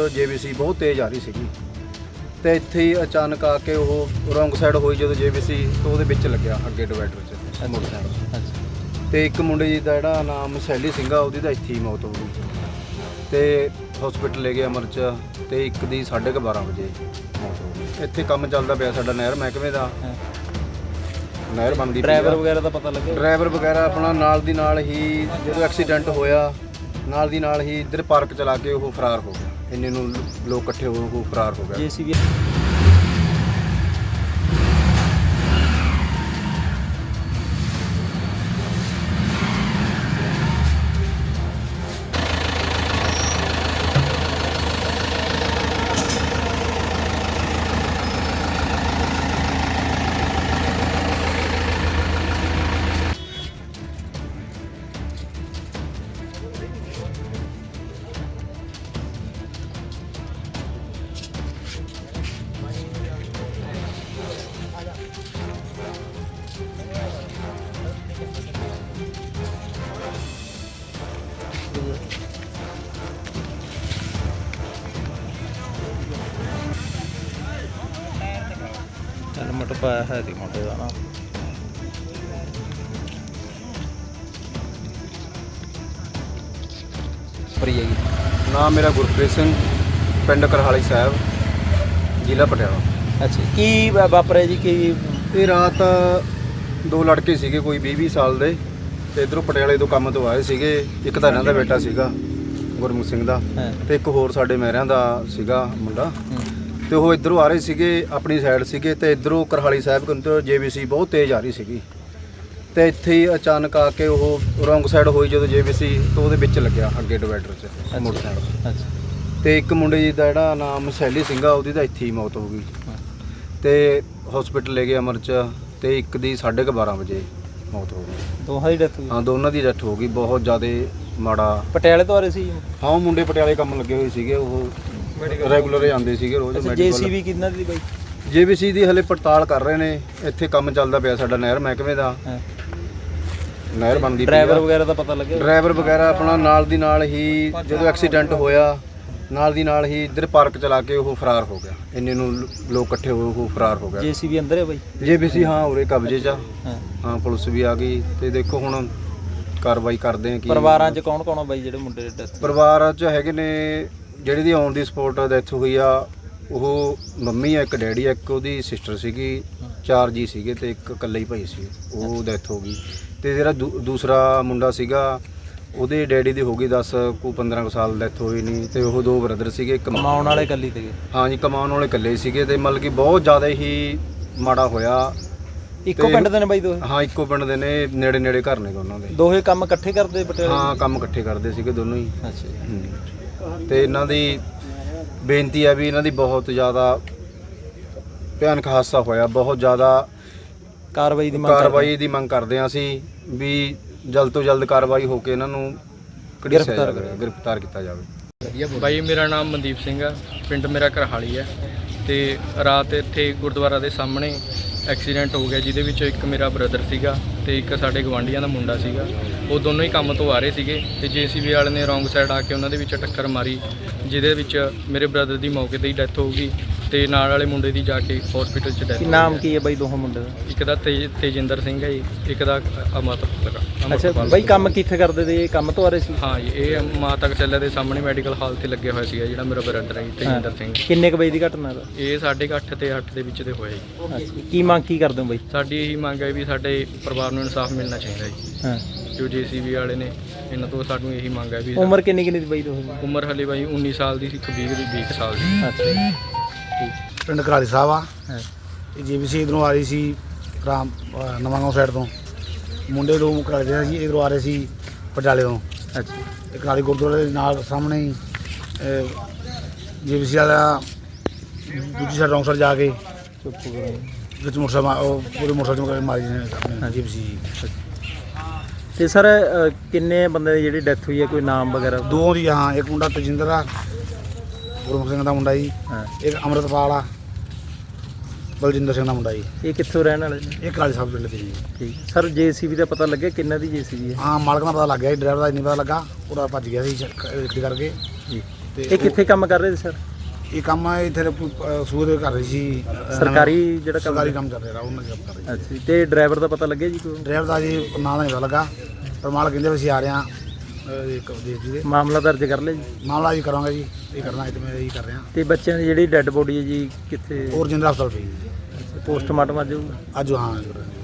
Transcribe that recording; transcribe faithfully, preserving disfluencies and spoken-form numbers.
JBC ਬਹੁਤ ਤੇਜ਼ ਆ ਰਹੀ ਸੀਗੀ ਤੇ ਇੱਥੇ ਹੀ ਅਚਾਨਕ ਆ ਕੇ ਉਹ ਰੋਂਗ ਸਾਈਡ ਹੋਈ ਜਦੋਂ ਜੇਬੀਸੀ ਤੋਂ ਉਹਦੇ ਵਿੱਚ ਲੱਗਿਆ ਅੱਗੇ ਡਿਵਾਈਡਰ 'ਚ ਮੋਟਰਸਾਈਕਲ। ਅੱਛਾ। ਤੇ ਇੱਕ ਮੁੰਡੇ ਜੀ ਦਾ ਜਿਹੜਾ ਨਾਮ ਸੈਲੀ ਸਿੰਘ ਆ ਉਹਦੀ ਤਾਂ ਇੱਥੇ ਹੀ ਮੌਤ ਹੋ ਗਈ ਤੇ ਹਸਪੀਟਲ ਲੈ ਗਏ ਅਮਰਚ ਤੇ ਇੱਕ ਦੀ ਸਾਢੇ ਕੁ ਬਾਰਾਂ ਵਜੇ ਮੌਤ ਹੋ ਗਈ। ਇੱਥੇ ਕੰਮ ਚੱਲਦਾ ਪਿਆ ਸਾਡਾ ਨਹਿਰ ਮਹਿਕਮੇ ਦਾ, ਨਹਿਰ ਬਣਦੀ। ਡਰਾਈਵਰ ਵਗੈਰਾ ਦਾ ਪਤਾ ਲੱਗਿਆ? ਡਰਾਈਵਰ ਵਗੈਰਾ ਆਪਣਾ ਨਾਲ ਦੀ ਨਾਲ ਹੀ ਜਦੋਂ ਐਕਸੀਡੈਂਟ ਹੋਇਆ ਨਾਲ ਦੀ ਨਾਲ ਹੀ ਇੱਧਰ ਪਾਰਕ ਚਲਾ ਕੇ ਉਹ ਫਰਾਰ ਹੋ ਗਿਆ। ਇੰਨੇ ਨੂੰ ਲੋਕ ਇਕੱਠੇ ਹੋ ਕੇ ਉਹ ਫਰਾਰ ਹੋ ਗਿਆ। ਜੇਸੀਬੀ ਹੈਲਮਟ ਪਾਇਆ ਹੈ ਦੀ ਮੁੰਡੇ ਦਾ ਨਾ। ਪਰੀ ਹੈਗੀ। ਨਾਮ ਮੇਰਾ ਗੁਰਪ੍ਰੀਤ ਸਿੰਘ, ਪਿੰਡ ਕਰਹਾਲੀ ਸਾਹਿਬ, ਜ਼ਿਲ੍ਹਾ ਪਟਿਆਲਾ। ਅੱਛਾ, ਕੀ ਵਾ- ਵਾਪਰਿਆ ਜੀ? ਕੀ ਇਹ ਰਾਤ ਦੋ ਲੜਕੇ ਸੀਗੇ ਕੋਈ ਵੀਹ ਵੀਹ ਸਾਲ ਦੇ ਤੇ ਇੱਧਰੋਂ ਪਟਿਆਲੇ ਤੋਂ ਕੰਮ ਤੋਂ ਆਏ ਸੀਗੇ। ਇੱਕ ਤਾਂ ਇਹਨਾਂ ਦਾ ਬੇਟਾ ਸੀਗਾ ਗੁਰਮੁਖ ਸਿੰਘ ਦਾ ਹਾਂ। ਤੇ ਇੱਕ ਹੋਰ ਸਾਡੇ ਮਹਿਰਿਆਂ ਦਾ ਸੀਗਾ ਮੁੰਡਾ ਹੂੰ। ਤੇ ਉਹ ਇੱਧਰੋਂ ਆ ਰਹੇ ਸੀਗੇ ਆਪਣੀ ਸਾਈਡ ਸੀਗੇ ਤੇ ਇੱਧਰੋਂ ਕਰਹਾਲੀ ਸਾਹਿਬ ਤੋਂ ਜੇਬੀਸੀ ਬਹੁਤ ਤੇਜ਼ ਆ ਰਹੀ ਸੀਗੀ ਤੇ ਇੱਥੇ ਹੀ ਅਚਾਨਕ ਆ ਕੇ ਉਹ ਰੋਂਗ ਸਾਈਡ ਹੋਈ ਜਦੋਂ ਜੇਬੀਸੀ ਤੋਂ ਉਹਦੇ ਵਿੱਚ ਲੱਗਿਆ ਅੱਗੇ ਡਿਵਾਈਡਰ 'ਚ ਮੋਟਰਸਾਈਕਲ। ਅੱਛਾ। ਤੇ ਇੱਕ ਮੁੰਡੇ ਜੀ ਦਾ ਜਿਹੜਾ ਨਾਮ ਸੈਲੀ ਸਿੰਘ ਆ ਉਹਦੀ ਤਾਂ ਇੱਥੇ ਹੀ ਮੌਤ ਹੋ ਗਈ ਤੇ ਹਸਪੀਟਲ ਲੈ ਗਏ ਅਮਰਚ ਤੇ ਇੱਕ ਦੀ ਸਾਢੇ ਕੁ ਬਾਰਾਂ ਵਜੇ ਮੌਤ ਹੋ ਗਈ। ਦੋਹਾਂ ਦੀ ਡੈਥ ਹੋਈ? ਹਾਂ, ਦੋਨਾਂ ਦੀ ਡੈਥ ਹੋ ਗਈ। ਬਹੁਤ ਜ਼ਿਆਦਾ ਮਾੜਾ। ਪਟਿਆਲੇ ਤੋਂ ਆ ਰਹੇ ਸੀ? ਹਾਂ, ਉਹ ਮੁੰਡੇ ਪਟਿਆਲੇ ਕੰਮ ਲੱਗੇ ਹੋਏ ਸੀਗੇ, ਉਹ ਰੈਗੂਲਰ ਜਾਂਦੇ ਸੀਗੇ ਰੋਜ਼ ਮੈਡੀਕਲ। ਜੇਸੀਬੀ ਕਿੰਨਾ ਦੀ ਬਾਈ? ਜੇਬੀਸੀ ਦੀ ਹਲੇ ਪੜਤਾਲ ਕਰ ਰਹੇ ਨੇ। ਇੱਥੇ ਕੰਮ ਚੱਲਦਾ ਪਿਆ ਸਾਡਾ ਨਹਿਰ ਮਹਿਕਮੇ ਦਾ, ਨਹਿਰ ਬਣਦੀ। ਡਰਾਈਵਰ ਵਗੈਰਾ ਦਾ ਪਤਾ ਲੱਗਿਆ? ਡਰਾਈਵਰ ਵਗੈਰਾ ਆਪਣਾ ਨਾਲ ਦੀ ਨਾਲ ਹੀ ਜਦੋਂ ਐਕਸੀਡੈਂਟ ਹੋਇਆ ਨਾਲ ਦੀ ਨਾਲ ਹੀ ਇੱਧਰ ਪਾਰਕ ਚਲਾ ਕੇ ਉਹ ਫਰਾਰ ਹੋ ਗਿਆ। ਇੰਨੇ ਨੂੰ ਲੋਕ ਇਕੱਠੇ ਹੋ ਕੇ ਉਹ ਫਰਾਰ ਹੋ ਗਿਆ। ਜੇਸੀਬੀ ਅੰਦਰ ਹੈ ਬਾਈ? ਜੇਬੀਸੀ ਹਾਂ ਉਰੇ ਕਬਜ਼ੇ 'ਚ ਆ। ਹਾਂ। ਹਾਂ, ਪੁਲਿਸ ਵੀ ਆ ਗਈ ਤੇ ਦੇਖੋ ਹੁਣ ਕਾਰਵਾਈ ਕਰਦੇ ਆ। ਕੀ ਪਰਿਵਾਰਾਂ 'ਚ ਕੌਣ ਕੌਣ ਆ ਬਾਈ ਜਿਹੜੇ ਮੁੰਡੇ ਦੇ ਡੈਥ? ਪਰਿਵਾਰਾਂ 'ਚ ਹੈਗੇ ਨੇ ਜਿਹੜੀ ਦੀ ਔਨ ਦੀ ਸਪੋਟ ਡੈਥ ਹੋਈ ਆ ਉਹ ਮੰਮੀ ਆ, ਇੱਕ ਡੈਡੀ ਆ, ਇੱਕ ਉਹਦੀ ਸਿਸਟਰ ਸੀਗੀ, ਚਾਰ ਜੀ ਸੀਗੇ ਤੇ ਇੱਕ ਇਕੱਲਾ ਹੀ ਭਾਈ ਸੀ, ਉਹ ਡੈਥ ਹੋ ਗਈ। ਤੇ ਜਿਹੜਾ ਦੂ- ਦੂਸਰਾ ਮੁੰਡਾ ਸੀਗਾ ਉਹਦੇ ਡੈਡੀ ਦੀ ਹੋ ਗਈ ਦਸ ਕੁ ਪੰਦਰਾਂ ਕੁ ਸਾਲ ਡੈਥ ਹੋਈ ਨਹੀਂ ਤੇ ਉਹ ਦੋ ਬ੍ਰਦਰ ਸੀਗੇ। ਇੱਕ ਕਮਾਉਣ ਵਾਲੇ ਇਕੱਲੀ ਤੇ? ਹਾਂ ਜੀ, ਕਮਾਉਣ ਵਾਲੇ ਇਕੱਲੇ ਸੀਗੇ ਤੇ ਮਤਲਬ ਕਿ ਬਹੁਤ ਜ਼ਿਆਦਾ ਹੀ ਮਾੜਾ ਹੋਇਆ। ਇੱਕੋ ਪਿੰਡ ਦੇ ਨੇ ਬਾਈ ਦੋਹੇ? ਹਾਂ, ਇੱਕੋ ਪਿੰਡ ਦੇ ਨੇ, ਨੇੜੇ ਨੇੜੇ ਘਰ ਨੇ ਉਹਨਾਂ ਦੇ। ਦੋਹੇ ਕੰਮ ਇਕੱਠੇ ਕਰਦੇ ਪਟਿਆਲੇ? ਹਾਂ, ਕੰਮ ਇਕੱਠੇ ਕਰਦੇ ਸੀਗੇ ਦੋਨੋਂ ਹੀ। ਅੱਛਾ। ਹੂੰ। ਤੇ ਇਹਨਾਂ ਦੀ ਬੇਨਤੀ ਹੈ ਵੀ ਇਹਨਾਂ ਦੀ ਬਹੁਤ ਜ਼ਿਆਦਾ ਭਿਆਨਕ ਹਾਦਸਾ ਹੋਇਆ, ਬਹੁਤ ਜ਼ਿਆਦਾ ਕਾਰਵਾਈ ਦੀ ਮੰਗ ਕਾਰਵਾਈ ਦੀ ਮੰਗ ਕਰਦੇ ਹਾਂ ਅਸੀਂ ਵੀ ਜਲਦ ਤੋਂ ਜਲਦ ਕਾਰਵਾਈ ਹੋ ਕੇ ਇਹਨਾਂ ਨੂੰ ਗ੍ਰਿਫਤਾਰ ਗ੍ਰਿਫਤਾਰ ਕੀਤਾ ਜਾਵੇ। ਬਾਈ ਮੇਰਾ ਨਾਮ ਮਨਦੀਪ ਸਿੰਘ ਆ, ਪਿੰਡ ਮੇਰਾ ਕਰਹਾਲੀ ਹੈ ਤੇ ਰਾਤ ਇੱਥੇ ਗੁਰਦੁਆਰਾ ਦੇ ਸਾਹਮਣੇ ਐਕਸੀਡੈਂਟ ਹੋ ਗਿਆ ਜਿਹਦੇ ਵਿੱਚ ਇੱਕ ਮੇਰਾ ਬ੍ਰਦਰ ਸੀਗਾ ਤੇ ਇੱਕ ਸਾਡੇ ਗਵਾਂਢੀਆਂ ਦਾ ਮੁੰਡਾ ਸੀਗਾ। ਉਹ ਦੋਨੋਂ ਹੀ ਕੰਮ ਤੋਂ ਆ ਰਹੇ ਸੀਗੇ ਤੇ ਜੇਸੀਬੀ ਵਾਲੇ ਨੇ ਰੋਂਗ ਸਾਈਡ ਆ ਕੇ ਉਹਨਾਂ ਦੇ ਵਿੱਚ ਟੱਕਰ ਮਾਰੀ ਜਿਹਦੇ ਵਿੱਚ ਮੇਰੇ ਬ੍ਰਦਰ ਦੀ ਮੌਕੇ ਤੇ ਹੀ ਡੈਥ ਹੋ ਗਈ ਤੇ ਨਾਲ ਵਾਲੇ ਮੁੰਡੇ ਦੀ ਜਾ ਕੇ ਹਸਪੀਟਲ 'ਚ ਡੈਥ। ਕੀ ਨਾਮ ਕੀ ਹੈ ਬਾਈ ਦੋਹਾਂ ਮੁੰਡੇ ਦਾ? ਇੱਕ ਦਾ ਤੇਜ ਤੇਜਿੰਦਰ ਸਿੰਘ ਹੈ ਜੀ, ਇੱਕ ਦਾ ਅਮਰਤ ਲਗਾ। ਅੱਛਾ ਬਾਈ, ਕੰਮ ਕਿੱਥੇ ਕਰਦੇ ਤੇ? ਕੰਮ ਤੋਂ ਆ ਰਹੇ ਸੀ? ਹਾਂ ਜੀ, ਇਹ ਮਾਤਾ ਕਚੱਲੇ ਦੇ ਸਾਹਮਣੇ ਮੈਡੀਕਲ ਹਾਲ ਤੇ ਲੱਗਿਆ ਹੋਇਆ ਸੀਗਾ ਜਿਹੜਾ ਮੇਰਾ ਬ੍ਰਦਰ ਹੈ ਜੀ, ਤੇਜਿੰਦਰ ਸਿੰਘ। ਕਿੰਨੇ ਕੁ ਵਜੇ ਦੀ ਘਟਨਾ ਦਾ? ਇਹ ਸਾਢੇ ਕੁ ਅੱਠ ਤੇ ਅੱਠ ਦੇ ਵਿੱਚ ਦੇ ਹੋਇਆ ਜੀ। ਅੱਛਾ, ਕੀ ਮੰਗ ਕੀ ਕਰਦੇ ਹੋ ਬਾਈ? ਸਾਡੀ ਇਹੀ ਮੰਗ ਹੈ ਵੀ ਸਾਡੇ ਪਰਿਵਾਰ ਨੂੰ ਇਨਸਾਫ ਮਿਲਣਾ ਚਾਹੀਦਾ ਜੀ। ਹਾਂ। ਜੋ ਜੇਸੀਬੀ ਵਾਲੇ ਨੇ ਇਹਨਾਂ ਤੋਂ ਸਾਨੂੰ ਇਹੀ ਮੰਗ ਹੈ ਵੀ ਉਮਰ ਕਿੰਨੀ ਕਿੰਨੀ ਦੀ ਬਾਈ ਦੋਹੇ ਦੀ? ਉਮਰ ਹਲੇ ਬਾਈ ਉੱਨੀ ਸਾਲ ਦੀ ਸੀ, ਇੱਕ ਵੀਹ ਦੀ ਵੀਹ ਸਾਲ ਦੀ। ਅੱਛਾ ਜੀ, ਠੀਕ। ਪਿੰਡ ਕਰਾਲੀ ਸਾਹਿਬ ਆ। ਹਾਂ। ਇਹ ਜੀਬੀਸੀ ਇਧਰੋਂ ਆ ਰਹੀ ਸੀ ਰਾਮ ਨਵਾਂਗਾঁव ਸਾਈਡ ਤੋਂ। ਮੁੰਡੇ ਦੋ ਕਰਾਲੀ ਦੇ ਸੀ, ਇਧਰੋਂ ਆ ਰਹੇ ਸੀ ਪਟਿਆਲੇ ਤੋਂ। ਅੱਛਾ। ਇਹ ਕਰਾਲੀ ਗੁਰਦੁਆਰੇ ਦੇ ਨਾਲ ਸਾਹਮਣੇ ਹੀ ਜੀਬੀਸੀ ਵਾਲਾ ਦੂਜੀ ਸਾਈਡ ਰੌਂਗ ਸਾਈਡ ਜਾ ਕੇ ਚੁੱਪ ਕਰੋ। ਵਿੱਚ ਮੋਟਰਸਾਈਕਲ ਮਾ- ਉਹ ਪੂਰੇ ਮੋਟਰਸਾਈਕਲ ਮਾਰੀ ਨੇ ਆਪਣੇ ਜੀਬੀਸੀ। ਤੇ ਸਰ ਕਿੰਨੇ ਬੰਦੇ ਦੀ ਜਿਹੜੀ ਡੈਥ ਹੋਈ ਹੈ, ਕੋਈ ਨਾਮ ਵਗੈਰਾ? ਦੋ ਦੀ। ਹਾਂ, ਇੱਕ ਮੁੰਡਾ ਤਜਿੰਦਰ ਆ, ਗੁਰਮੁਖ ਸਿੰਘ ਦਾ ਮੁੰਡਾ ਜੀ। ਹਾਂ। ਇੱਕ ਅੰਮ੍ਰਿਤਪਾਲ ਆ, ਬਲਜਿੰਦਰ ਸਿੰਘ ਦਾ ਮੁੰਡਾ ਜੀ। ਇਹ ਕਿੱਥੋਂ ਰਹਿਣ ਵਾਲੇ ਨੇ? ਇਹ ਕਰਾਲੀ ਸਾਹਿਬ ਪਿੰਡ ਦੇ ਜੀ। ਠੀਕ ਸਰ, ਜੇਸੀਬੀ ਦਾ ਪਤਾ ਲੱਗਿਆ ਕਿੰਨਾ ਦੀ ਜੇਸੀਬੀ ਹੈ? ਹਾਂ, ਮਾਲਕ ਦਾ ਪਤਾ ਲੱਗ ਗਿਆ ਜੀ, ਡਰਾਈਵਰ ਦਾ ਨਹੀਂ ਪਤਾ ਲੱਗਾ, ਉਹਦਾ ਭੱਜ ਗਿਆ ਸੀ ਗੱਡੀ ਕਰਕੇ। ਜੀ। ਤੇ ਇਹ ਕਿੱਥੇ ਕੰਮ ਕਰ ਰਹੇ ਸੀ ਸਰ? ਉਹ- ਇਹ ਕੰਮ ਇੱਥੇ ਸੂਰ ਦੇ ਕਰ ਰਹੀ ਸੀ ਅ, ਸਰਕਾਰੀ ਜਿਹੜਾ ਕੰਮ ਸਰਕਾਰੀ ਕੰਮ ਚੱਲ ਰਿਹਾ ਉਹਨਾਂ ਦਾ ਕੰਮ ਕਰ ਰਹੀ ਅੱਛਾ ਜੀ। ਤੇ ਡਰਾਈਵਰ ਦਾ ਪਤਾ ਲੱਗਿਆ ਜੀ ਕੋਈ? ਡਰਾਈਵਰ ਦਾ ਜੀ ਨਾਂ ਦਾ ਨਹੀਂ ਪਤਾ ਲੱਗਾ, ਪਰ ਮਾਲਕ ਕਹਿੰਦੇ ਵੀ ਅਸੀਂ ਆ ਰਹੇ ਹਾਂ ਅ, ਇੱਕ ਦੇਸ਼ ਜੀ ਦੇ ਮਾਮਲਾ ਦਰਜ ਕਰ ਲਿਆ ਜੀ? ਮਾਮਲਾ ਜੀ ਕਰਾਂਗੇ ਜੀ, ਇਹ ਕਰਨਾ ਇਹ ਤੇ ਮੈਂ ਇਹੀ ਕਰ ਰਿਹਾ। ਤੇ ਬੱਚਿਆਂ ਦੀ ਜਿਹੜੀ ਡੈੱਡ ਬੋਡੀ ਹੈ ਜੀ ਕਿੱਥੇ? ਹੋਰ ਜਿੰਦਰਾ ਹਸਪਤਾਲ ਪਈ ਜੀ ਪੋਸਟਮਾਰਟਮ ਅੱਜ ਹੋਊਗਾ? ਅੱਜ ਹਾਂ ਜੀ।